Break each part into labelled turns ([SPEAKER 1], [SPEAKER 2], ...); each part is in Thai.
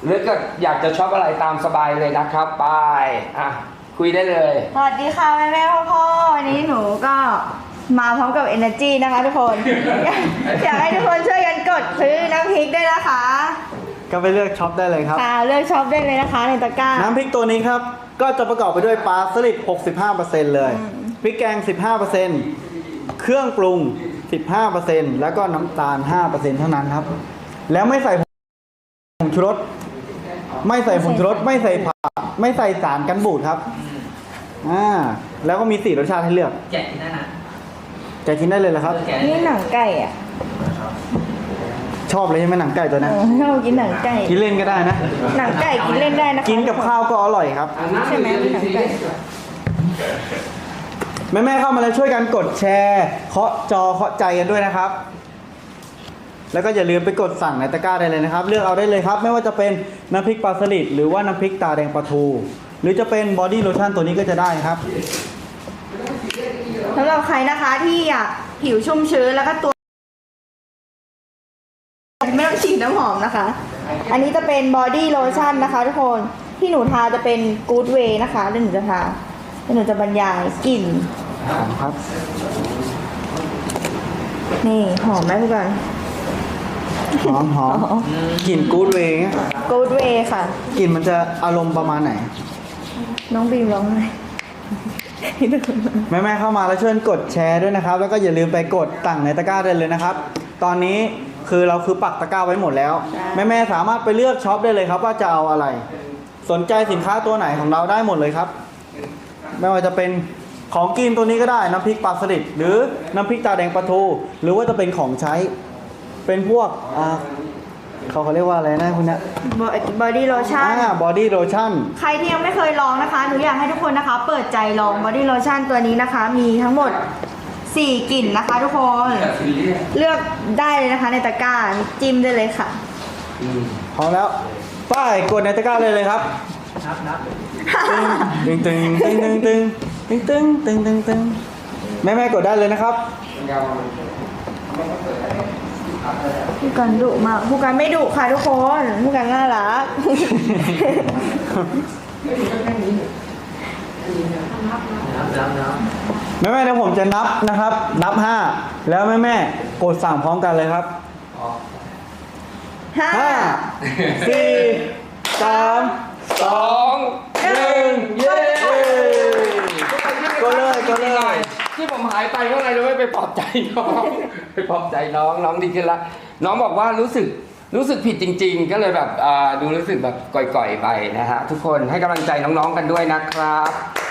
[SPEAKER 1] หรือเกิดอยากจะชอบอะไรตามสบายเลยนะครับไปคุยได้เลย
[SPEAKER 2] สวัสดีค่ะแม่พ่อวันนี้หนูก็มาพร้อมกับ energy นะคะทุกคน อยากให้ทุกคนช่วยกันกดซื้อน้ำพริกด้วยนะคะ
[SPEAKER 3] ก็ไปเลือกช็อปได้เลยครับ
[SPEAKER 2] เลือกช็อปได้เลยนะคะในตะกร้า
[SPEAKER 3] น้ำพริกตัวนี้ครับก็จะประกอบไปด้วยปลาสลิด 65% เลยพริกแกง 15%เครื่องปรุง 15% แล้วก็น้ำตาล 5% เท่านั้นครับแล้วไม่ใส่ผงชูรสไม่ใส่ผงชูรสไม่ใส่ผักไม่ใส่สารกันบูดครับแล้วก็มี4รสชาติให้เลือก
[SPEAKER 4] แกะกินได้นะ
[SPEAKER 3] แกะกินได้เลยเหรอครับ
[SPEAKER 2] นี่หนังไก่อ่ะ
[SPEAKER 3] ชอบเลยใช่ไหมหนังไก่ตัวนั้น
[SPEAKER 2] ชอบกินหนังไก่
[SPEAKER 3] กินเล่นก็ได้นะ
[SPEAKER 2] หนังไก่กินเล่นได้นะคะ
[SPEAKER 3] กินกับข้าวก็อร่อยครับ
[SPEAKER 2] ใช่ไหมหนังไก่
[SPEAKER 3] แม่เข้ามาแล้วช่วยกันกดแชร์เคาะจอเคาะใจกันด้วยนะครับแล้วก็อย่าลืมไปกดสั่งในตะกร้าได้เลยนะครับเลือกเอาได้เลยครับไม่ว่าจะเป็นน้ำพริกปลาสลิดหรือว่าน้ำพริกตาแดงปลาทูหรือจะเป็นบอดี้โลชั่นตัวนี้ก็จะได้ครับ
[SPEAKER 2] สำหรับใครนะคะที่อยากผิวชุ่มชื้นแล้วก็ตัวไม่ต้องฉีดน้ำหอมนะคะอันนี้จะเป็นบอดี้โลชั่นนะคะทุกคนที่หนูทาจะเป็นกู๊ดเวย์นะคะเดี๋ยวหนูจะทาแล้วหนูจะบรรยายกลิ่น
[SPEAKER 3] ครับ
[SPEAKER 2] นี่หอมไหมพี่กัน
[SPEAKER 3] หอมกลิ่นกู๊ดเวย์
[SPEAKER 2] กู๊ดเวย์ค่ะ
[SPEAKER 3] กลิ่นมันจะอารมณ์ประมาณไหน
[SPEAKER 2] น้องบีมร้องไห้
[SPEAKER 3] แม่เข้ามาแล้วช่วยกดแชร์ด้วยนะครับแล้วก็อย่าลืมไปกดสั่งในตะกร้าได้เลยนะครับตอนนี้เราปักตะกร้าไว้หมดแล้วแม่สามารถไปเลือกช็อปได้เลยครับว่าจะเอาอะไรสนใจสินค้าตัวไหนของเราได้หมดเลยครับไม่ว่าจะเป็นของกินตัวนี้ก็ได้น้ำพริกปลาสลิดหรือน้ำพริกตาแดงปลาทูหรือว่าจะเป็นของใช้เป็นพวกเขาเรียกว่าอะไรนะคุณเนี่ย
[SPEAKER 2] บอดี้โลชั่น
[SPEAKER 3] บอดี้โลชั่น
[SPEAKER 2] ใครที่ยังไม่เคยลองนะคะหนูอยากให้ทุกคนนะคะเปิดใจลองบอดี้โลชั่นตัวนี้นะคะมีทั้งหมด4กลิ่นนะคะทุกคนเลือกได้เลยนะคะในตะกร้าจิ้มได้เลยค่ะ
[SPEAKER 3] พร้อมแล้วป้ายกดในตะกร้าเลยครับตึงแม่กดได้เลยนะครับ
[SPEAKER 2] ผู้กันดุมากผู้กันไม่ดุค่ะทุกคนผู้กันน่ารัก
[SPEAKER 3] แม่เดี๋ยวผมจะนับนะครับนับ5แล้วแม่กดสั่งพร้อมกันเลยครับ5 4 3 2 1เย้ก็เลย
[SPEAKER 1] ที่ผมหายไปเพราะอะไรรู้ไหมไปปลอบใจน้องน้องดีขึ้นละน้องบอกว่ารู้สึกผิดจริงๆก็เลยแบบดูรู้สึกแบบก่อยๆไปนะฮะทุกคนให้กำลังใจน้องๆกันด้วยนะครับ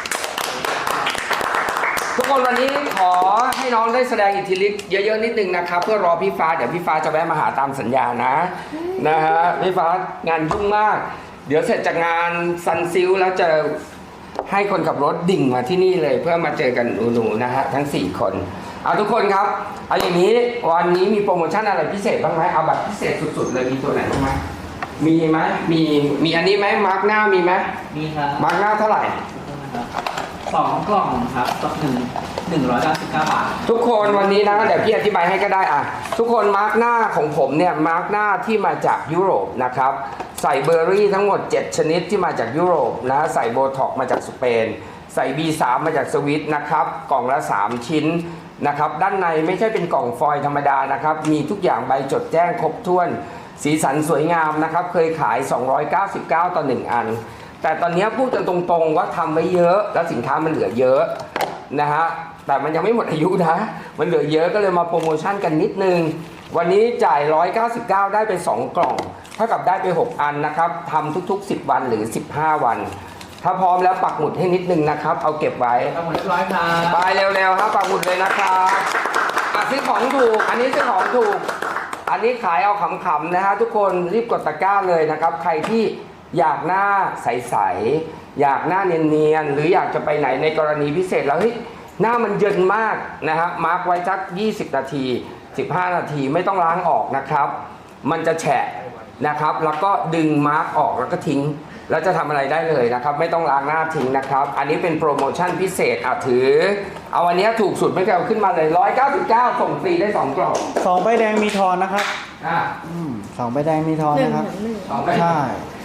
[SPEAKER 1] ทุกคนวันนี้ขอให้น้องได้แสดงอิทธิฤทธิ์เยอะๆนิดนึงนะครับเพื่อรอพี่ฟ้าเดี๋ยวพี่ฟ้าจะแวะมาหาตามสัญญานะฮะพี่ฟ้างานยุ่งมากเดี๋ยวเสร็จจากงานซันซิลแล้วจะให้คนขับรถดิ่งมาที่นี่เลยเพื่อมาเจอกันหนูๆนะฮะทั้ง4คนเอาทุกคนครับเอาอย่างนี้วันนี้มีโปรโมชั่นอะไรพิเศษบ้างไหมเอาแบบพิเศษสุดๆเลยมีตัวไหนบ้างไหมมีไหมมีอันนี้ไหมมาร์กหน้ามีไหม
[SPEAKER 4] มีครับ
[SPEAKER 1] มาร์กหน้าเท่าไหร่
[SPEAKER 4] 2 กล่องครับต่อ199 บาท
[SPEAKER 1] ทุกคนวันนี้นะเดี๋ยวพี่อธิบายให้ก็ได้ทุกคนมาร์กหน้าของผมเนี่ยมาร์กหน้าที่มาจากยุโรปนะครับใส่เบอร์รี่ทั้งหมด7ชนิดที่มาจากยุโรปนะใส่โบท็อกมาจากสเปนใส่ B3 มาจากสวิตนะครับกล่องละ3ชิ้นนะครับด้านในไม่ใช่เป็นกล่องฟอยล์ธรรมดานะครับมีทุกอย่างใบจดแจ้งครบถ้วนสีสันสวยงามนะครับเคยขาย299ต่อ1อันแต่ตอนนี้พูดกันตรงๆว่าทำไว้เยอะแล้วสินค้ามันเหลือเยอะนะฮะแต่มันยังไม่หมดอายุนะมันเหลือเยอะก็เลยมาโปรโมชั่นกันนิดนึงวันนี้จ่าย199ได้ไป2กล่องเท่ากับได้ไป6อันนะครับทำทุกๆ10วันหรือ15วันถ้าพร้อมแล้วปักหมุดให้นิดนึงนะครับเอาเก็บไว้
[SPEAKER 4] ปักหมุดเรียบร้อยครับ
[SPEAKER 1] ไปเร็วๆครับปักหมุดเลยนะครับซื้อของถูกอันนี้ซื้อของถูกอันนี้ขายเอาขำๆนะฮะทุกคนรีบกดตะกร้าเลยนะครับใครที่อยากหน้าใสๆอยากหน้าเนียนๆหรืออยากจะไปไหนในกรณีพิเศษแล้วหน้ามันเยินมากนะฮะมาร์กไว้สัก20นาที15นาทีไม่ต้องล้างออกนะครับมันจะแฉะนะครับแล้วก็ดึงมาร์กออกแล้วก็ทิ้งแล้วจะทำอะไรได้เลยนะครับไม่ต้องล้างหน้าทิ้งนะครับอันนี้เป็นโปรโมชั่นพิเศษถือเอาอันนี้ถูกสุดไม่เกินขึ้นมาเลย199ส่งฟรีได้2กล่อง
[SPEAKER 3] 2ใบแดงมีทอนนะครับ2ใบแดงมีทอนนะครับใช่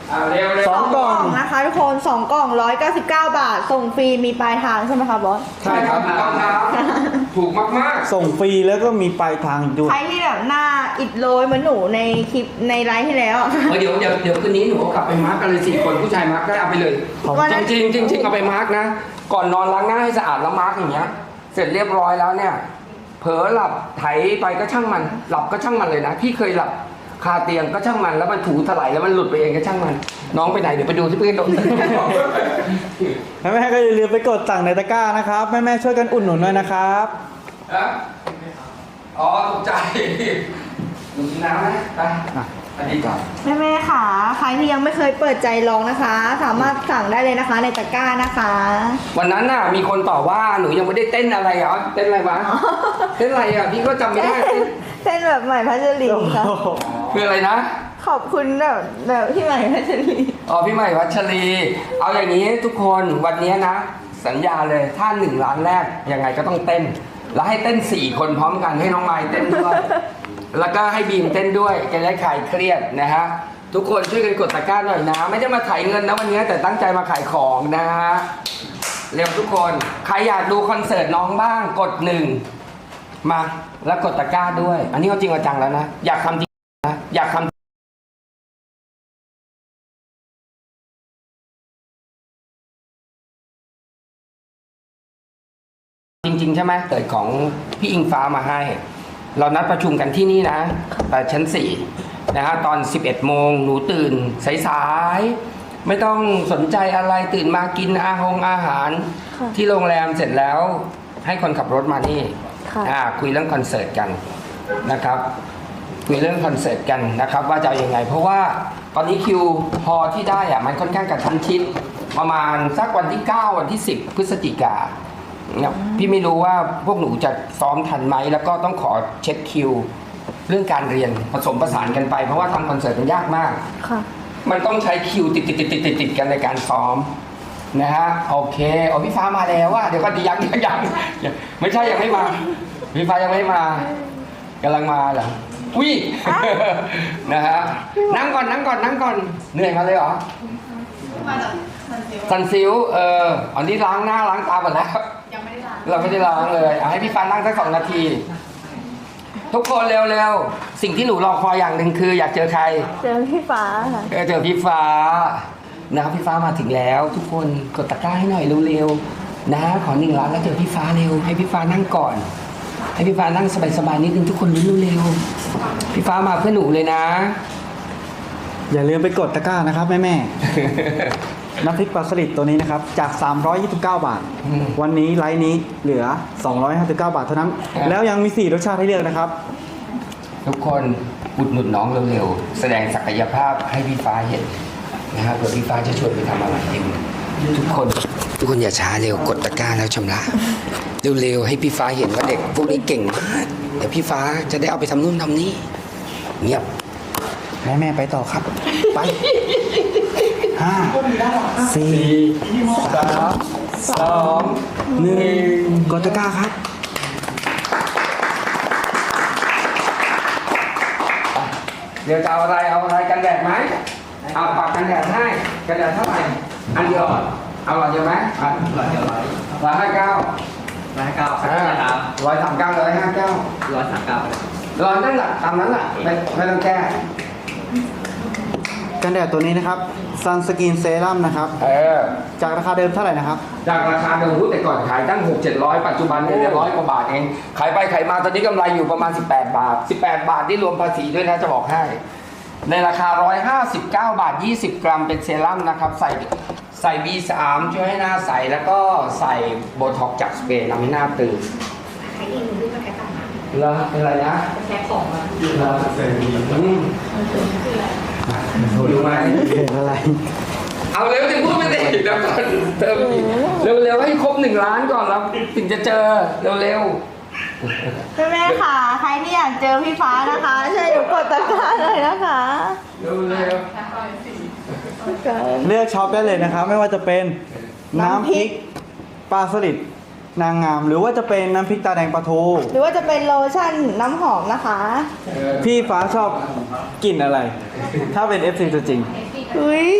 [SPEAKER 1] เร็ว
[SPEAKER 3] สองกล่อง
[SPEAKER 2] นะคะทุกคน2กล่อง199 บาท ส่งฟรีมีปลายทางใช่ไหมคะบอส
[SPEAKER 1] ใช่ครับถูกต้องครับถูกมาก
[SPEAKER 3] ส่งฟรีแล้วก็มีปลายทางอีกด้วย
[SPEAKER 2] ใครที่แบบหน้าอิดโรยเหมือนหนูในคลิปในไลฟ์ที่แล้ว
[SPEAKER 1] ๆเดี๋ยวคืนนี้หนูเอากลับไปมาร์กกันเลย4 คนผู้ชายมาร์กได้เอาไปเลย
[SPEAKER 2] วันนั้น
[SPEAKER 1] จริงเอาไปมาร์กนะ ก่อนนอนล้างหน้าให้สะอาดแล้วมาร์กอย่างเงี้ย เสร็จเรียบร้อยแล้วเนี่ย เผลอหลับไถไปก็ช่างมัน หลับก็ช่างมันเลยนะ พี่เคยหลับคาเตียงก็ช่างมันแล้วมันถูถลายแล้วมันหลุดไปเองก็ช่างมัน น้องไปไหนเดี๋ยวไปดูที่เพื่อนโดน
[SPEAKER 3] แม่ๆก็อย่าลืมไปกดสั่งในตะกร้านะครับแม่ๆช่วยกันอุดหนุนด้วยนะครับ
[SPEAKER 1] อ๋อตกใจหนูกินน้ำไหมไปอันนี้ก่อน
[SPEAKER 2] แม่ๆค่ะ ใครที่ยังไม่เคยเปิดใจลองนะคะ สามารถสั่งได้เลยนะคะในตะกร้านะคะ
[SPEAKER 1] วันนั้นน่ะมีคนต่อว่าหนูยังไม่ได้เต้นอะไรเหรอเต้นอะไรวะเต้นอะไรอ่ะพี่ก็จำไม่ได้เต้น
[SPEAKER 2] เส้นแบบใหม่พัชรีค่ะ
[SPEAKER 1] คืออะไรนะ
[SPEAKER 2] ขอบคุณแบบพี่ใหม่พัชรี
[SPEAKER 1] อ๋อพี่ใหม่วัชรี เอาอย่างนี้ทุกคนวันนี้นะ สัญญาเลยถ้า1 ล้านแรกยังไงก็ต้องเต้น แล้วให้เต้น4 คนพร้อมกันให้น้องไม้เต้นด้วย แล้วก็ให้บีมเต้นด้วยจะได้คลายเครียดนะฮะทุกคนช่วยกันกดตะกร้าหน่อยนะ ไม่ได้มาถ่ายเงินนะวันนี้แต่ตั้งใจมาขายของนะฮะเร็วทุกคนใครอยากดูคอนเสิร์ตน้องบ้างกด1มาแล้วกดตะกร้าด้วย อันนี้เอาจริงเอาจังแล้วนะอยากทำจริงนะอยากทำจริงๆใช่ไหมเกิดของพี่อิงฟ้ามาให้ เรานัดประชุมกันที่นี่นะแต่ชั้น4นะฮะตอน 11 โมงหนูตื่นสายๆไม่ต้องสนใจอะไรตื่นมากินอาหาร
[SPEAKER 2] ค่ะ
[SPEAKER 1] ที่โรงแรมเสร็จแล้วให้คนขับรถมานี่
[SPEAKER 2] ค่ะ
[SPEAKER 1] คุยเรื่องคอนเสิร์ตกันนะครับคุยเรื่องคอนเสิร์ตกันนะครับว่าจะเอายังไง เพราะว่าตอนนี้คิวพอที่ได้อะมันค่อนข้างกระชั้นชิดประมาณสักวันที่ 9 วันที่ 10 พฤศจิกาเนี่ยพี่ไม่รู้ว่าพวกหนูจะซ้อมทันไหมแล้วก็ต้องขอเช็คคิว เรื่องการเรียนผสมผสานกันไปเพราะว่าทำคอนเสิร์ตมันยากมาก
[SPEAKER 2] ค่ะ
[SPEAKER 1] มันต้องใช้คิวติดกันในการซ้อมนะฮะโอเคอ๋อพี่ฟ้ามาแล้วว่าเดี๋ยวก็ยังไม่ใช่ยังไม่มาพี่ฟ้ายังไม่มากำลังมาเหรออุ้ย นะฮะนั่งก่อนเหนื่อยมาเลยเหรอซันซิลอันนี้ล้างหน้าล้างตาหมดแล้วเราไม่ได้ล้างเลยให้พี่ฟ้านั่งสัก2 นาที ทุกคนเร็วๆสิ่งที่หนูรอคอยอย่างหนึ่งคืออยากเจอใคร
[SPEAKER 2] เจอพี่ฟ้าค่ะ
[SPEAKER 1] เจอพี่ฟ้านะครับพี่ฟ้ามาถึงแล้ว ทุกคนกดตะกร้าให้หน่อยเร็วๆนะขอ1 ล้านแล้วเจอพี่ฟ้าเร็วให้พี่ฟ้านั่งก่อน ให้พี่ฟ้านั่งสบายๆนิดนึงทุกคนเร็วๆพี่ฟ้ามาเพื่อหนูเลยนะ
[SPEAKER 3] อย่าลืมไปกดตะกร้านะครับแม่ๆ น้ำพริกปลาสลิดตัวนี้นะครับจาก 329 บาท วันนี้ไลน์นี้เหลือ 259 บาทเท่านั้น แล้วยังมี 4 รสชาติให้เลือกนะครับ
[SPEAKER 1] ทุกคนอุดหนุนน้องเร็วๆแสดงศักยภาพให้พี่ฟ้าเห็นนะครับเผื่อพี่ฟ้าจะชวนไปทำอะไรเองทุกคนอย่าช้าเร็วกดตะกร้าแล้วชำระเร็วๆให้พี่ฟ้าเห็นว่าเด็กพวกนี้เก่งมากเดี๋ยวพี่ฟ้าจะได้เอาไปทำนู่นทำนี่เงียบ
[SPEAKER 3] แม่ๆไปต่อครับ ไป 5 4 3 2 1 กดตะกร้าครับ
[SPEAKER 1] เดี๋ยวจะเอาอะไรกันแดดไหมเอาปากกันแดดให้กันแดดเท่าไหร่อันเดียวเอาหลอดเดียวไหม159
[SPEAKER 4] 159
[SPEAKER 1] 139 159
[SPEAKER 4] 139
[SPEAKER 1] รอนั่นแหละตามนั้นแหละไม่ต้องแก้
[SPEAKER 3] กันแดดตัวนี้นะครับ ซันสกินเซรั่มนะครับ จากราคาเดิมเท่าไหร่นะครับ
[SPEAKER 1] จากราคาเดิมแต่ก่อนขายตั้ง 6-700 ปัจจุบันเนี่ย100 กว่าบาทเองขายไปขายมาตอนนี้กำไรอยู่ประมาณ18 บาท18 บาทที่รวมภาษีด้วยนะจะบอกให้ในราคา159 บาท20 กรัมเป็นเซรั่มนะครับใส่ B3 ช่วยให้หน้าใสแล้วก็ใส่โบท็อกซ์จากสเปรย์ทำให้หน้าตื่นใครเองดูมาแค่ต่างแล้วเป็นอะไรนะแค่ของมาดูไหม
[SPEAKER 3] เห็นอะไร
[SPEAKER 1] เอาเร็วถึงพูดไม่ได้เดี๋ยวก่อนเติมเร็วๆให้ครบ1 ล้านก่อนแล้วถึงจะเจอเร็ว
[SPEAKER 2] แม่ๆค่ะ ใครที่อยากเจอพี่ฟ้านะคะช่วยหนูกดตะกร้าเลยนะคะ
[SPEAKER 1] ๆเร็ว
[SPEAKER 3] เลือกช็อปได้เลยนะครับ ไม่ว่าจะเป็นน้ำพริกปลาสลิดนางงาม หรือว่าจะเป็นน้ำพริกตาแดงปลาทู
[SPEAKER 2] หรือว่าจะเป็นโลชั่นน้ำหอมนะคะ
[SPEAKER 3] พี่ฟ้าชอบกลิ่นอะไร ถ้าเป็น FC ตัวจริง
[SPEAKER 2] อุ้ย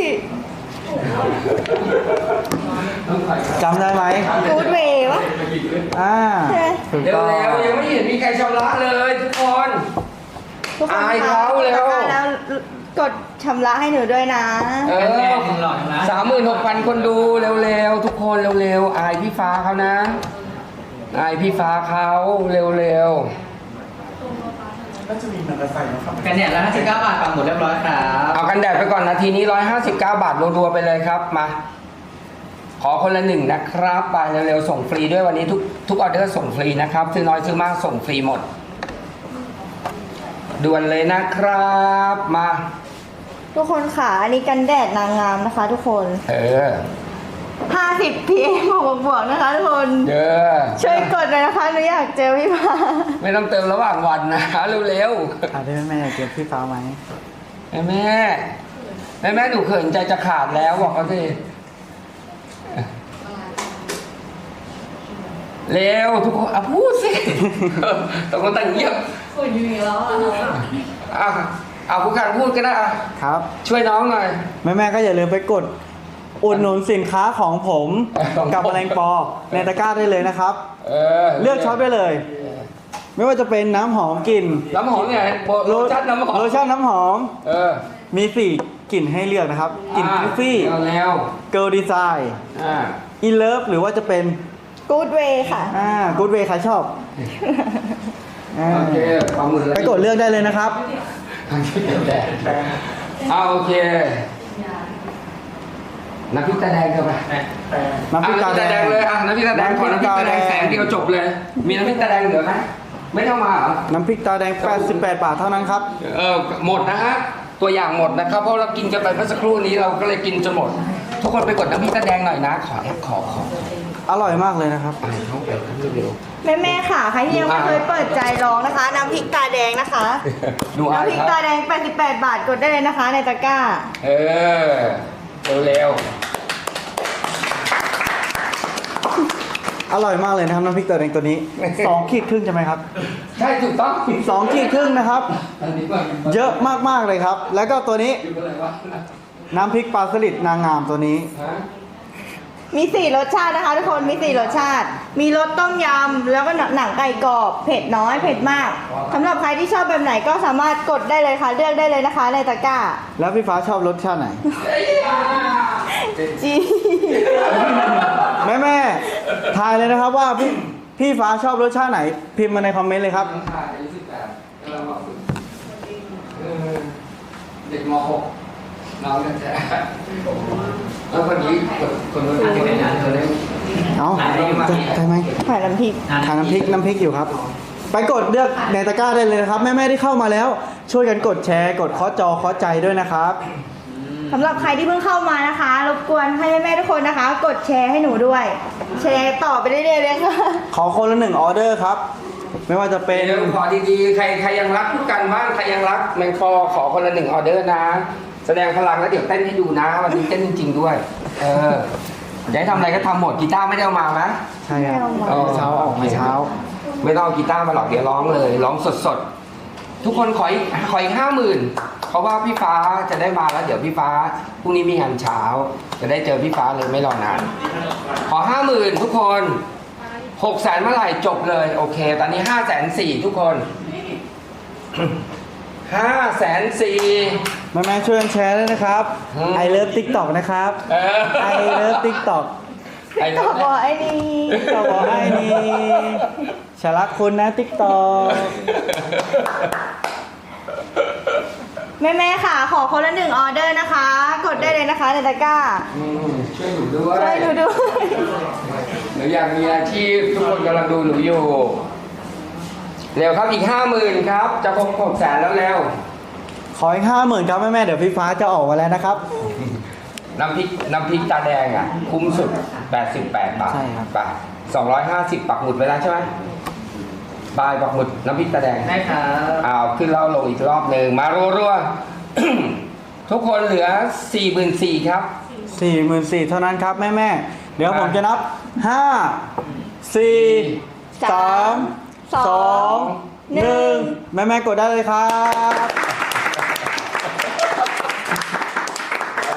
[SPEAKER 3] จำได้ไหม
[SPEAKER 2] กูดเวย์วะ
[SPEAKER 3] ถูก
[SPEAKER 1] เร็
[SPEAKER 3] ต้อง
[SPEAKER 1] วๆยังไม่เห็นมีใครชำระเลยทุกคน
[SPEAKER 2] ทุกคน
[SPEAKER 1] อาย
[SPEAKER 2] คะ
[SPEAKER 1] เขาเร็ว
[SPEAKER 2] แล้วกดชำระให้หนูด้วยนะ
[SPEAKER 1] เอ
[SPEAKER 4] แน่
[SPEAKER 1] อ
[SPEAKER 4] หนึ่งหลอดนะ
[SPEAKER 1] 36,000 คนดูเร็วๆทุกคนเร็วๆอายพี่ฟ้าเขานะอายพี่ฟ้าเขาเร็ว
[SPEAKER 4] กันเนี่ยแล้ว59 บาทปักหมุดเรียบร้อยครับ
[SPEAKER 1] ๆเอากันแดดไปก่อนนาทีนี้159 บาทรัวๆไปเลยครับมา ขอคนละหนึ่งนะครับไปเร็วๆส่งฟรีด้วยวันนี้ทุกออเดอร์ส่งฟรีนะครับซื้อน้อยซื้อมากส่งฟรีหมดด่วนเลยนะครับมา
[SPEAKER 2] ทุกคนค่ะ อันนี้กันแดดนางงามนะคะ ทุกคน
[SPEAKER 1] เออ
[SPEAKER 2] 50 PM บวกๆนะคะทุกคน
[SPEAKER 1] เออ
[SPEAKER 2] ช่วยกดเลยนะคะหนูอยากเจอพี่ฟ้า
[SPEAKER 1] ไม่ต้องเติมระหว่างวันนะเร็ว
[SPEAKER 3] ถามได้แม่อยากเจอพี่ฟ้าไหม
[SPEAKER 1] ๆแม่หนูเขินใจจะขาดแล้วบอกเขาสิเร็วทุกคนพูดสิตกลงแต่งเงียบคุณอยู่แล้วผู้การพูดก็ได้อ่ะ
[SPEAKER 3] ครับ
[SPEAKER 1] ช่วยน้องหน่อย
[SPEAKER 3] แม่ๆก็อย่าลืมไปกดอุดหนุนสินค้าของผม
[SPEAKER 1] ของผม
[SPEAKER 3] กับแมลงปอในตะกร้าได้เลยนะครับ เลือกช็อปได้เลย ไม่ว่าจะเป็นน้ำหอมกลิ่น
[SPEAKER 1] น้ำหอมเนี่ยโลชั่นน้ำหอม
[SPEAKER 3] โลชั่นน้ำหอม
[SPEAKER 1] เออ
[SPEAKER 3] มี4กลิ่นให้เลือกนะครับกลิ่นคิฟฟี่
[SPEAKER 1] แล้ว
[SPEAKER 3] เกิร์ลดีไซน์
[SPEAKER 1] อ่า
[SPEAKER 3] อินเลิฟหรือว่าจะเป็น
[SPEAKER 2] กูดเวย์ค่ะ
[SPEAKER 3] กูดเวย์ใครชอบ
[SPEAKER 1] โอเคเอามือ
[SPEAKER 3] ไปกดเลือกได้เลยนะครับ
[SPEAKER 1] โอเคน้ำพริกตาแดงเถอะไป
[SPEAKER 3] น้ำพริกตาแดง
[SPEAKER 1] เลยอ่ะน้ำพริกตาแดงขอน้ำพริกตาแดงแสงเดียวจบเลย มีน้ำพริกตาแดงเหลือไหมไม่ต้องมาเหรอ
[SPEAKER 3] น้ำพริกตาแดง 88 บาทเท่านั้นครับ
[SPEAKER 1] หมดนะฮะตัวอย่างหมดนะครับเพราะเรากินกันไปเมื่อสักครู่นี้เราก็เลยกินจนหมด ทุกคนไปกดน้ำพริกตาแดงหน่อยนะขอ
[SPEAKER 3] อร่อยมากเลยนะครับ
[SPEAKER 1] ไปเข้าไปเร็ว
[SPEAKER 2] แม่ๆค่ะ ใครที่ยังไม่เคยเปิดใจลองนะคะ น้ำพริกตาแดงนะคะ
[SPEAKER 1] ๆดูอ่ะ
[SPEAKER 2] น้ำพริกตาแดง 88 บาทกดได้เลยนะคะ ในตะกร้า
[SPEAKER 1] เร็ว
[SPEAKER 3] อร่อยมากเลยนะครับน้ำพริกตาแดงตัวนี้ 2 ขีดครึ่งใช่ไหมครับ
[SPEAKER 1] ๆใช่ถูกต้อง
[SPEAKER 3] 2 ขีดครึ่งนะครับ เยอะมากๆเลยครับ แล้วก็ตัวนี้
[SPEAKER 1] อยู่อะไรวะ
[SPEAKER 3] น้ำพริกปลาสลิดนางงามตัวนี้
[SPEAKER 1] ฮะ
[SPEAKER 2] มี 4 รสชาตินะคะ ทุกคน มี 4 รสชาติ มีรสต้มยำ แล้วก็หนังไก่กรอบ เผ็ดน้อย เผ็ดมากสำหรับใครที่ชอบแบบไหนก็สามารถกดได้เลยค่ะ เลือกได้เลยนะคะ ในตะกร้า
[SPEAKER 3] แล้วพี่ฟ้าชอบรสชาติไหน
[SPEAKER 2] จี
[SPEAKER 3] แม่ๆทายเลยนะครับว่าพี่ฟ้าชอบรสชาติไหน พิมพ์มาในคอมเมนต์เลยครับ
[SPEAKER 1] เด็กม .6 น้องกันแท้แล้วคนนี้คนนู้นที่เป็นงานเธอได้
[SPEAKER 3] เอาใช่ไหม
[SPEAKER 2] ผ่านน้ำพริก
[SPEAKER 3] ทานน้ำพริกอยู่ครับ ไปกดเลือกในตะกร้าได้เลยนะครับ แม่ๆที่เข้ามาแล้ว ช่วยกันกดแชร์ กดเคาะจอเคาะใจด้วยนะครับ
[SPEAKER 2] สำหรับใครที่เพิ่งเข้ามานะคะ รบกวนให้แม่ๆทุกคนนะคะ กดแชร์ให้หนูด้วย แชร์ต่อไปเรื่อยๆเลยค่ะ
[SPEAKER 3] ขอคนละ1ออเดอร์ครับ ไม่ว่าจะเป็น
[SPEAKER 1] เดี๋ยวขอดีๆใครยังรักผู้กันบ้างใครยังรักแมงฟอขอคนละ1ออเดอร์นะ แสดงพลังแล้วเดี๋ยวเต้นให้ดูนะวันนี้เต้นจริงๆด้วย อยากให้ทำอะไรก็ทำหมดกีตาร์ไม่ได้เอามานะ
[SPEAKER 3] ใช่ครับ
[SPEAKER 2] ไม่เอามา
[SPEAKER 3] เช้าออกมาเช้า
[SPEAKER 1] ไม่ต้องเอากีตาร์มาหรอกเดี๋ยวร้องเลยร้องสดๆทุกคนขออีก50,000เพราะว่าพี่ฟ้าจะได้มาแล้วเดี๋ยวพี่ฟ้าพรุ่งนี้มีงานเช้า จะได้เจอพี่ฟ้าเลยไม่รอนาน ขอ50,000ทุกคน600,000เมื่อไหร่จบเลยโอเค ตอนนี้504,000ทุกคน504,000
[SPEAKER 3] แม่ๆช่วยกันแชร์ด้วยนะครับ I love TikTok นะครับ I love TikTok
[SPEAKER 2] ต่อบอกไอ้นี่
[SPEAKER 3] ต่อบอกให้นี่ฉันรักคุณนะ TikTok
[SPEAKER 2] แม่ๆค่ะ ขอคนละ1ออเดอร์นะคะ กดได้เลยนะคะในตะกร้า
[SPEAKER 1] ช่วยหนูด้วย
[SPEAKER 2] ช่วยหนูด้วย
[SPEAKER 1] หนูอยากมีอาชีพทุกคนกำลังดูหนูอยู่ เร็วครับอีก50,000ครับ จะครบ600,000แล้วแล้ว
[SPEAKER 3] ขออีก50,000ครับแม่ๆเดี๋ยวพี่ฟ้าจะออกมาแล้วนะครับ
[SPEAKER 1] น้ำพริกตาแดงอ่ะ คุ้มสุด 88 บาท
[SPEAKER 3] ใช่ครับ
[SPEAKER 1] บาท250 ปักหมุดไปแล้วใช่ไหมบายปักหมุดน้ำพริกตาแดง
[SPEAKER 4] ได้ครับ
[SPEAKER 1] ขึ้นเล่าลงอีกรอบหนึ่งมารัวๆ ทุกคนเหลือ 44,000ครับ
[SPEAKER 3] 44,000เท่านั้นครับแม่ๆเดี๋ยวผมจะนับ 5 4 3 2 1 แม่ๆกดได้เลยครับ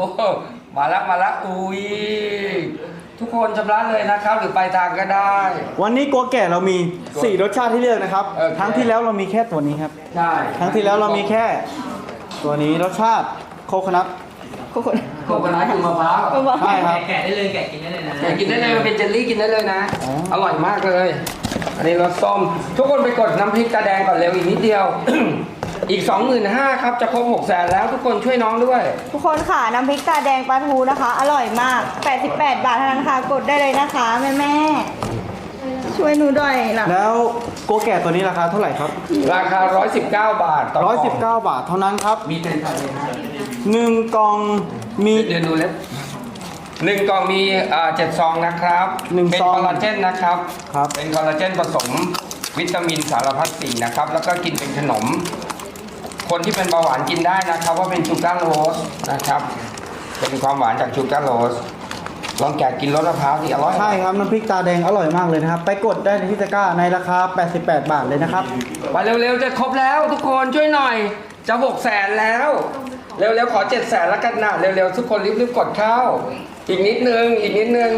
[SPEAKER 1] มาแล้วอุ้ยทุกคนชำระเลยนะครับ หรือไปลายทางก็ได้
[SPEAKER 3] วันนี้กัวแก่เรามี 4 รสชาติที่เลือกนะครับ
[SPEAKER 1] โอเค
[SPEAKER 3] ครั้งที่แล้วเรามีแค่ตัวนี้ครับ
[SPEAKER 1] ใช่
[SPEAKER 3] ครั้งที่แล้วเรามีแค่ตัวนี้รสชาติโคโคนัท
[SPEAKER 2] โคโค่
[SPEAKER 1] โคโคนัทคือมะพร้าว
[SPEAKER 3] ใช่ครับ
[SPEAKER 4] แกะได้เลยแกะกินได้เลยนะ
[SPEAKER 1] แกกินได้เลยมันเป็นเจลลี่กินได้เลยนะ
[SPEAKER 3] อ๋อ
[SPEAKER 1] อร่อยมากเลย อันนี้รสส้ม ทุกคนไปกดน้ำพริกตาแดงก่อนเร็วอีกนิดเดียว อีก 25,000ครับจะครบ600,000แล้วทุกคนช่วยน้องด้วย
[SPEAKER 2] ทุกคนค่ะน้ำพริกตาแดงปลาทูนะคะ อร่อยมาก 88 บาทเท่านั้นค่ะ กดได้เลยนะคะแม่ๆช่วยหนูด้วยล่ะ
[SPEAKER 3] แล้วกัวแก่ตัวนี้ราคาเท่าไหร่ครับ
[SPEAKER 1] ราคา 119 บาทต่อกล่อง
[SPEAKER 3] 119 บาทเท่านั้นครับ
[SPEAKER 1] มีเป็นอะไรนะ
[SPEAKER 3] 1 กล่องมี
[SPEAKER 1] เดี๋ยวดูเล็บ1 กล่องมี7 ซองนะครับ
[SPEAKER 3] 1
[SPEAKER 1] เป็น
[SPEAKER 3] ซอง
[SPEAKER 1] คอลลาเจนนะครับ
[SPEAKER 3] ครับ
[SPEAKER 1] เป็นคอลลาเจนผสมวิตามินสารพัดสิ่งนะครับ แล้วก็กินเป็นขนม คนที่เป็นเบาหวานกินได้นะครับว่าเป็นชูการ์โรสนะครับ เป็นความหวานจากชูการ์โรส ลองแกะกินรสมะพร้าวที่อร่อย
[SPEAKER 3] ใช่ครับน้ำพริกตาแดงอร่อยมากเลยนะครับ ไปกดได้ในที่ตะกร้าในราคา 88 บาทเลยนะครับ
[SPEAKER 1] ไปเร็วๆจะครบแล้วทุกคนช่วยหน่อย จะ600,000แล้ว เร็วๆขอ700,000แล้วกันนะเร็วๆทุกคนรีบๆกดเข้า อีกนิดนึงอีก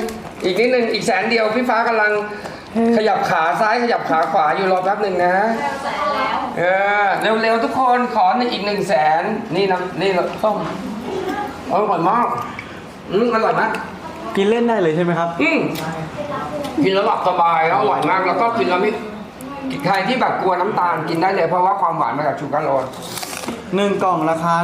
[SPEAKER 1] 100,000เดียวพี่ฟ้ากำลังขยับขาซ้ายขยับขาขวาอยู่รอแป๊บหนึ่งนะเร็วๆทุกคนขออีก100,000นี่นะนี่ส้มอร่อยมากอร่อยมาก
[SPEAKER 3] กินเล่นได้เลยใช่ไหมครับ
[SPEAKER 1] กินแล้วหลับสบายแล้วอร่อยมากแล้วก็กินแล้วไม่ใครที่แบบกลัวน้ำตาลกินได้เลยเพราะว่าความหวานมาจากชูการ์โรส
[SPEAKER 3] 1 กล่องราคา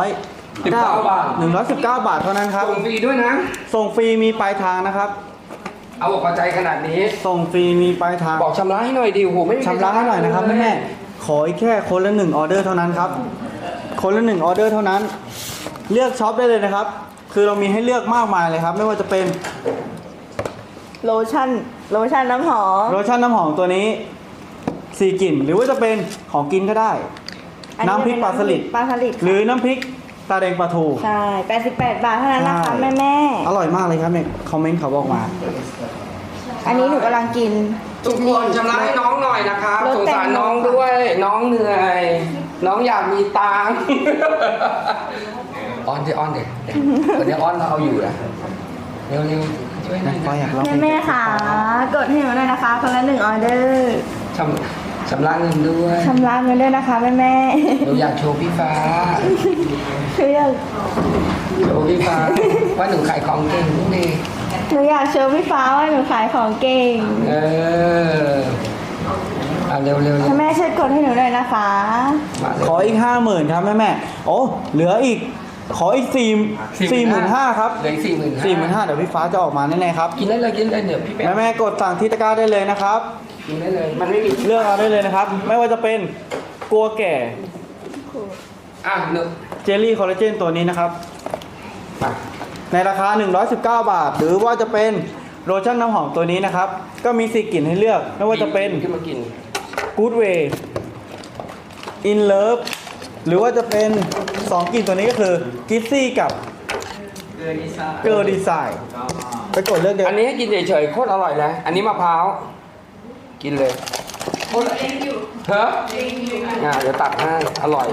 [SPEAKER 1] 19 บาท
[SPEAKER 3] 119 บาทเท่านั้นครับ
[SPEAKER 1] ส่งฟรีด้วยนะ
[SPEAKER 3] ส่งฟรีมีปลายทางนะครับ
[SPEAKER 1] เอาอกเอาใจขนาดนี้
[SPEAKER 3] ส่งฟรีมีปลายทาง
[SPEAKER 1] บอกชำระให้หน่อยดิโหไม่มี
[SPEAKER 3] ชำระให้หน่อยนะครับแม่ๆขออีกแค่คนละ1 ออเดอร์เท่านั้นครับ คนละ 1 ออเดอร์เท่านั้น เลือกช็อปได้เลยนะครับ คือเรามีให้เลือกมากมายเลยครับ ไม่ว่าจะเป็น
[SPEAKER 2] โลชั่นน้ำหอม
[SPEAKER 3] โลชั่นน้ำหอมตัวนี้ 4 กลิ่น หรือว่าจะเป็นของกินก็ได้
[SPEAKER 2] อั
[SPEAKER 3] น้ำพริกปลาสลิด
[SPEAKER 2] ปลาสลิด
[SPEAKER 3] หรือน้ำพริกตาแดงปลาทู
[SPEAKER 2] ใช่ 88 บาทเท่านั้นนะคะ
[SPEAKER 3] ใช่
[SPEAKER 2] แม่
[SPEAKER 3] อร่อยมากเลยครับเนี่ยคอมเมนต์เขาบอกมา
[SPEAKER 2] ๆอันนี้หนูกำลังกิน
[SPEAKER 1] ทุกคนชำระให้น้องหน่อยนะครับ
[SPEAKER 2] รถ
[SPEAKER 1] สง
[SPEAKER 2] แต่ง
[SPEAKER 1] สารน้องด้วย น้องเหนื่อย น้องอยากมีตังค์ อ้อนดิคนนี้อ้อนเราเอาอยู่นะเร็วๆช่วยหน่อย
[SPEAKER 3] ก็
[SPEAKER 1] นะ
[SPEAKER 3] อยากลอง
[SPEAKER 2] แม่ๆค่ะ กดให้หนูหน่อยนะคะ คนละ1 ออเดอร์
[SPEAKER 1] ชำระเงินด้วย
[SPEAKER 2] ชำระเงินด้วยนะคะแม่
[SPEAKER 1] หนูอยากโชว์พี่ฟ้า
[SPEAKER 2] ๆคืออยาก
[SPEAKER 1] โชว์พี่ฟ้าว่าหนูขายของเก่งนี่
[SPEAKER 2] หนูอยากโชว์พี่ฟ้าว่าหนูขายของเก่ง
[SPEAKER 1] เร็วๆ
[SPEAKER 2] แม่ช่วยกดให้หนูหน่อยนะคะ
[SPEAKER 1] มาเลย
[SPEAKER 3] ขออีก 50,000ครับแม่ๆโอ้เหลืออีก ขออีก45,000ครับ
[SPEAKER 1] เหลือ45,000
[SPEAKER 3] 45,000เดี๋ยวพี่ฟ้าจะออกมาแน่ๆครับ
[SPEAKER 1] กินได้เลยเดี๋ยวพี่แป๊ะ
[SPEAKER 3] แม่ๆกดสั่งที่ตะกร้าได้เลยนะครับ
[SPEAKER 1] กินได้เลยมันไม่มี
[SPEAKER 3] เลือกเอาได้เลยนะครับ ไม่ว่าจะเป็นกัวแก่
[SPEAKER 1] หนึ่ง
[SPEAKER 3] เจลลี่คอลลาเจนตัวนี้นะครับ
[SPEAKER 1] มา
[SPEAKER 3] ในราคา 119 บาท หรือว่าจะเป็นโลชั่นน้ำหอมตัวนี้นะครับ ก็มี4 กลิ่นให้เลือก ไม่ว่าจะเป็น
[SPEAKER 1] ขึ้นมากิน
[SPEAKER 3] Good Way In Love หรือว่าจะเป็น 2 กลิ่นตัวนี้ก็คือ Kissy กับ
[SPEAKER 4] เกลือดีซ่า
[SPEAKER 3] Girl Design ไปกดเลือกเดียว
[SPEAKER 1] อันนี้ให้กินเฉยๆโคตรอร่อยนะอันนี้มะพร้าวกินเลยโคตรเฮ้ยเดี๋ยวตัดให้อร่อย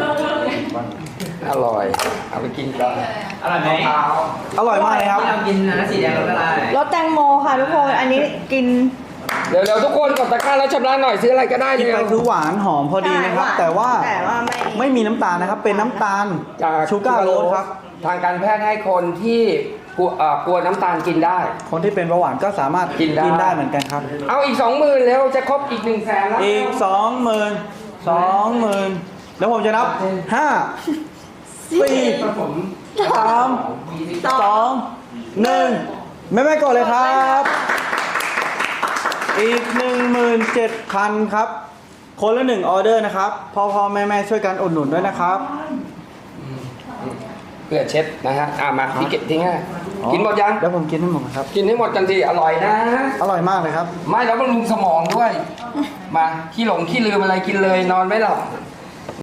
[SPEAKER 1] เอาไปกินก่อน
[SPEAKER 4] อร่อยไหม
[SPEAKER 1] มะพร้าว
[SPEAKER 3] อร่อยมากเลยครับ
[SPEAKER 4] ที่เรากินนะสีแดงรสละลาย
[SPEAKER 2] รสแตงโมค่ะทุกคน อันนี้กิน
[SPEAKER 1] เร็วๆทุกคนกดตะกร้าแล้วชำระหน่อยซื้ออะไรก็ได้
[SPEAKER 3] กิน
[SPEAKER 1] เลย
[SPEAKER 3] ไปคือหวานหอมพอดีนะครับ
[SPEAKER 2] ใช่
[SPEAKER 3] แต่ว่า
[SPEAKER 2] ไม่
[SPEAKER 3] ไม่มีน้ำตาลนะครับ เป็นน้ำตาล
[SPEAKER 1] จาก
[SPEAKER 3] ชูการ์โรสครับ
[SPEAKER 1] ทางการแพทย์ให้คนที่กลัวน้ำตาลกินได้
[SPEAKER 3] คนที่เป็นเบาหวานก็สามารถ
[SPEAKER 1] กินได้
[SPEAKER 3] เหมือนกันครับ
[SPEAKER 1] เอาอีก 20,000แล้วจะครบอีก100,000แล้ว
[SPEAKER 3] อีก 20,000แล้วผมจะนับ 5 4
[SPEAKER 1] ผม
[SPEAKER 3] 3 2 1 แม่ๆก่อนเลยครับ อีก 17,000 ครับ คนละ1 ออเดอร์นะครับพ่อแม่ช่วยกันอุดหนุนด้วยนะครับ
[SPEAKER 1] เพื่อเช็ดนะฮะมาพี่เก็บทิ้งให้กินหมดยัง
[SPEAKER 3] เดี๋ยวผมกินให้หมดครับ
[SPEAKER 1] กินให้หมดกันทีอร่อยนะ
[SPEAKER 3] อร่อยมากเลยครับ
[SPEAKER 1] ไม่แล้วบำรุงสมองด้วย มาขี้หลงขี้ลืมอะไรกินเลยนอนไม่หลับ